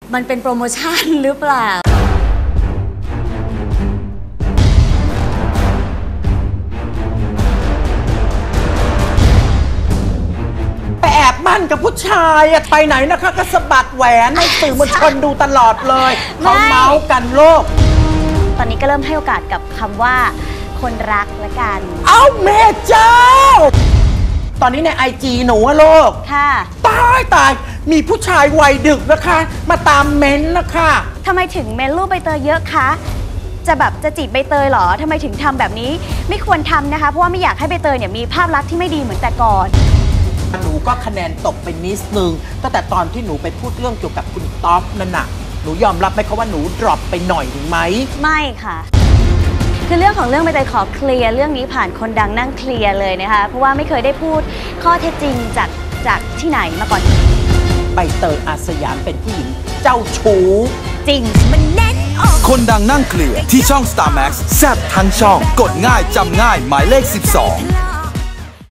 มันเป็นโปรโมชั่นหรือเปล่าแอบมั่นกับผู้ชายอะไปไหนนะคะก็สะบัดแหวนให้สื่อมวลชนดูตลอดเลยเขาเมาส์กันโลกตอนนี้ก็เริ่มให้โอกาสกับคำว่าคนรักละกันเอ้าแม่เจ้าตอนนี้ในIGหนูอะโลกค่ะตายมีผู้ชายวัยดึกนะคะมาตามเม้นนะคะทำไมถึงเม้นรูปใบเตยเยอะคะจะจีบใบเตยเหรอทำไมถึงทำแบบนี้ไม่ควรทำนะคะเพราะว่าไม่อยากให้ใบเตยเนี่ยมีภาพลักษณ์ที่ไม่ดีเหมือนแต่ก่อนหนูก็คะแนนตกไปนิดนึงตั้งแต่ตอนที่หนูไปพูดเรื่องเกี่ยวกับคุณต๊อปนั่นน่ะหนูยอมรับไหมคะว่าหนูดรอปไปหน่อยหรือไหมไม่ค่ะคือเรื่องของเรื่องใบเตยขอเคลียร์เรื่องนี้ผ่านคนดังนั่งเคลียร์เลยนะคะเพราะว่าไม่เคยได้พูดข้อเท็จจริงจากที่ไหนมาก่อนใบเตยอาสยามเป็นผู้หญิงเจ้าชู้จริงมันแน่นออกคนดังนั่งเคลียร์ที่ช่อง Star Max แซ่บทั้งช่องกดง่ายจำง่ายหมายเลข 12